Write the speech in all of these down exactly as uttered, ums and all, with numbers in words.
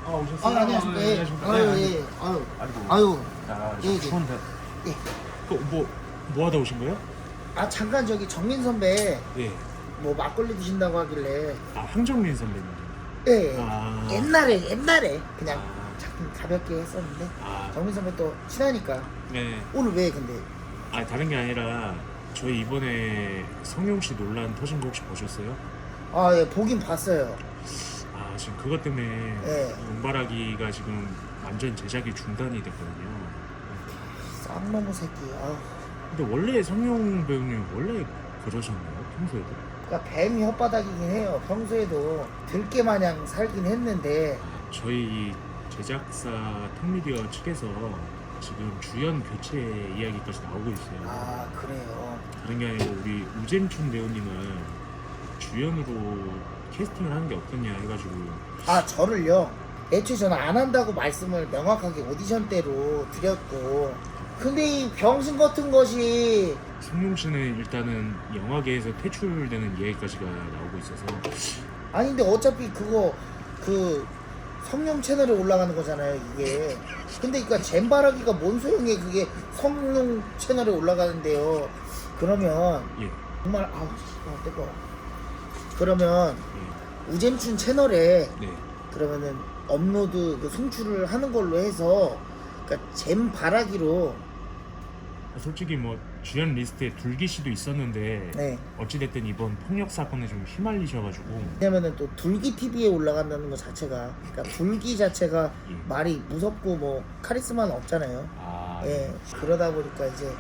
아 오셨어요? 아, 안녕하십니까. 예. 안녕하십니까. 아유, 네, 예. 아유. 아이고. 아유. 아, 예, 예. 추운데. 예. 그뭐 뭐 하다 오신 거예요? 아, 잠깐 저기 정민 선배 예. 뭐 막걸리 드신다고 하길래. 아 황정민 선배님. 예. 아. 옛날에 옛날에 그냥 아. 잠깐 가볍게 했었는데 아. 정민 선배 또 친하니까. 네. 오늘 왜 근데 아 다른 게 아니라 저희 이번에 성룡 씨 논란 터진 거 혹시 보셨어요? 아, 예, 보긴 봤어요. 아 지금 그것 때문에 예. 용바라기가 지금 완전 제작이 중단이 됐거든요. 쌍놈의 새끼. 아. 근데 원래 성룡 배우님 원래 그러셨나요? 평소에도? 그러니까 뱀 혓바닥이긴 해요. 평소에도 들깨 마냥 살긴 했는데. 저희 제작사 턱미디어 측에서 지금 주연 교체 이야기까지 나오고 있어요. 아, 그래요. 다른 게 아니고 우리 우잼춘 배우님을 주연으로 캐스팅을 하는 게 어떠냐 해가지고. 아, 저를요. 애초에 저는 안 한다고 말씀을 명확하게 오디션 때로 드렸고, 근데 이 병신 같은 것이. 성룡 씨는 일단은 영화계에서 퇴출되는 이야기까지가 나오고 있어서. 아니 근데 어차피 그거 그 성룡 채널에 올라가는 거잖아요 이게. 근데 그니까 잼바라기가 뭔 소용이에 그게 성룡 채널에 올라가는데요. 그러면 예. 정말 아우 아, 뜨거워. 그러면 예. 우잼춘 채널에 네. 그러면은 업로드 그 송출을 하는 걸로 해서 그러니까 잼바라기로. 솔직히 뭐 주연 리스트에 둘기 씨도 있었는데 네. 어찌됐든 이번 폭력 사건에 좀 휘말리셔가지고. 왜냐면은 또 둘기 티비에 올라간다는 것 자체가, 그러니까 둘기 자체가 예. 말이 무섭고 뭐 카리스마는 없잖아요. 아, 예. 그러다 보니까 이제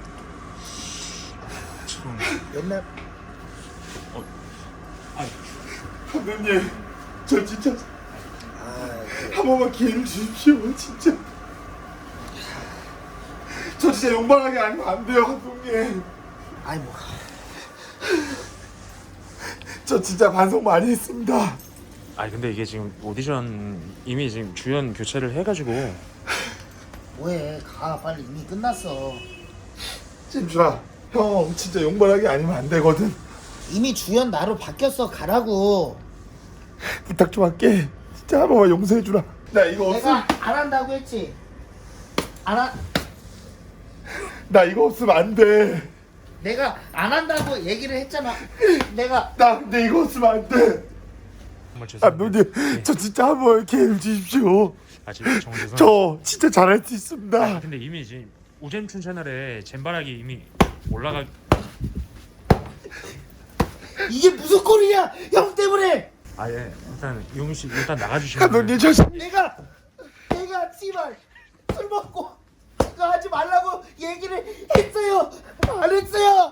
참. 옛날 어, 아, 감독님, 저 진짜 아, 그, 한 번만 기회를 주십시오. 진짜 저 진짜 용발하게 아니면 안 돼요, 감독님. 아이 뭐 저 진짜 반성 많이 했습니다. 아니 근데 이게 지금 오디션 이미 지금 주연 교체를 해가지고. 뭐해 가 빨리 이미 끝났어. 진주아, 형 진짜 용발하게 아니면 안 되거든. 이미 주연 나로 바뀌었어. 가라고. 부탁 좀 할게. 진짜 한 번만 용서해 주라. 나 이거 없음. 내가 안 한다고 했지. 안 한. 나 이거 없으면 안 돼. 내가 안 한다고 얘기를 했잖아. 내가 나 근데 이거 없으면 안 돼. 정말 죄송합니다. 감독님, 네. 저 진짜 한 번 기회를 주십시오. 아 지금 정말 죄송합니다. 저 진짜 잘할 수 있습니다. 아, 근데 이미 지금 우잼춘 채널에 잼바라기 이미 올라가. 이게 무슨 꼴이냐 형 때문에. 아예 일단 용희 씨 일단 나가주시면. 감독님, 저 진- 내가 내가 씨발 술 먹고 이거 하지 말라고 얘기를 했어요. 안 했어요.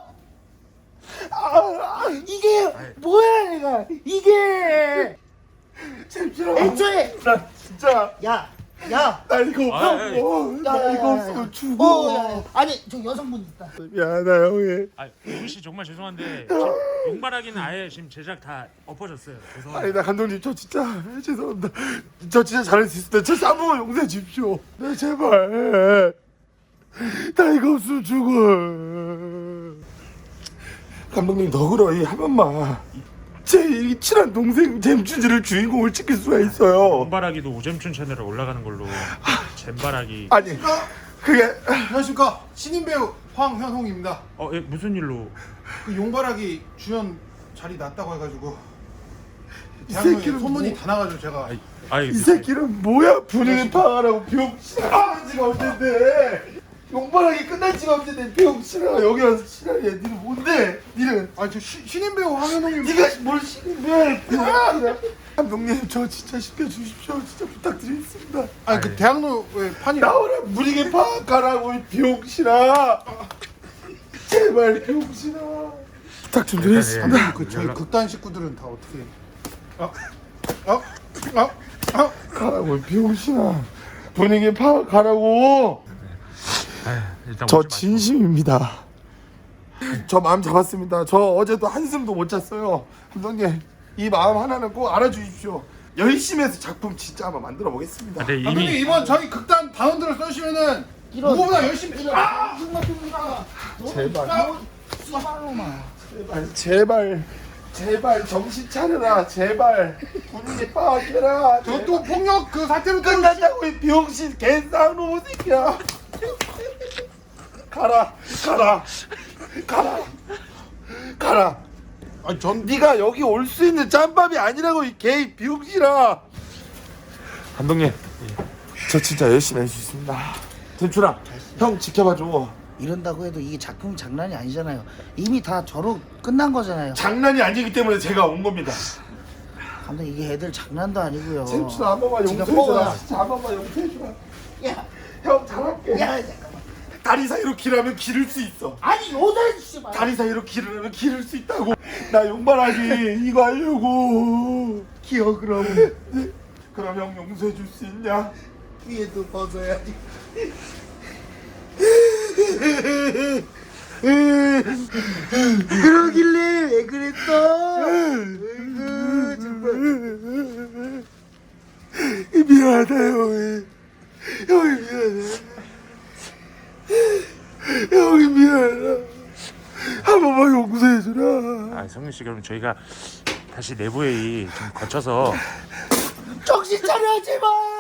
아, 이게 뭐야 내가 이게 진짜 애초에 나 진짜 야 야. 나 이거 아, 없어. 예, 예. 나 야, 야, 이거 야, 없으면 야. 죽어. 어, 야, 야. 아니 저 여성분 있다. 미안하다 형이. 아 용희 씨 정말 죄송한데 지금 용바라기는 아예 지금 제작 다 엎어졌어요. 죄송합니다. 아니 나 감독님 저 진짜 죄송합니다. 저 진짜 잘할 수 있습니다. 저 한 번만 용서해 주십시오. 네 제발. 나 이거 없으면 죽어. 감독님 너그러이 한 번만 제 이 친한 동생 잼춘지를 주인공을 찍힐 수가 있어요. 용바라기도 우잼춘 채널에 올라가는 걸로. 잼바라기. 아니 그게 안녕하십니까 신인 배우 황현홍입니다. 어 예, 무슨 일로? 그 용바라기 주연 자리 났다고 해가지고 이 대학로에 새끼는 소문이 뭐- 다 나가지고 제가 아이, 아이 이 새끼는 뭐야 분위기 파악하라고 병신아 지가 언젠데 용발하기 끝난 지가 언젠데 병신아 여기 와서 신하야 니는 뭔데 니는 아니 저 시, 신인 배우 황현홍입니다. 니가 뭘 신인데 병신아 감독님 저 진짜 시켜주십시오 진짜 부탁드리겠습니다 아니 그 대학로에 판이 나오라 분위기 파악하라고 이 병신아 제발 병신아 부탁 좀 드리겠습니다 그 저희 극단 식구들은 다 어떻게 어? 어? 어? 어? 가라고 이 병신아 분위기 파악하라고 일단 저 오지 마시고. 진심입니다. 저 마음 잡았습니다. 저 어제도 한숨도 못 잤어요. 감독님 이 마음 하나는 꼭 알아주십시오. 열심히 해서 작품 진짜 한번 만들어 보겠습니다. 근데 감독님 이미 이번 저희 극단 단원들을 써주시면은 이런 누구보다 열심히 이런 아! 무슨 같은 거가 제발. 씨발놈아. 제발 제발 제발 정신 차려라. 제발 분위기 파악해라. 저 또 폭력 그 사태로 또 끝났다고 이 병신 개쌍놈 새끼야. 가라 가라 가라 가라. 아니 전 네가 여기 올 수 있는 짬밥이 아니라고 이 개 병신아. 감독님 저 진짜 열심히 할 수 있습니다. 템춘아 형 지켜봐줘. 이런다고 해도 이게 작품 장난이 아니잖아요. 이미 다 저로 끝난 거잖아요. 장난이 아니기 때문에 제가 온 겁니다. 감독 이게 애들 장난도 아니고요. 템춘아 한 번만 지가 용서해줘라. 뽑아요. 진짜 한 번만 용서해줘라. 야, 형 잘할게. 야, 잠깐만. 다리 사이로 길하면 기를 수 있어. 아니 요새 씨발. 다리 사이로 길을 하면 기를 수 있다고. 나 용발하기 이거 하려고. 기어 그럼 그럼 형 용서해 줄 수 있냐? 위에도 벗어야지. 그러길래 왜 그랬어? 아이고 정말. 미안하다 형이. 형이 미안해. 형이 미안하다. 한 번만 용서해주라. 아, 성윤 씨 그럼 저희가 다시 내부 회의 좀 거쳐서 정신 차려 제발.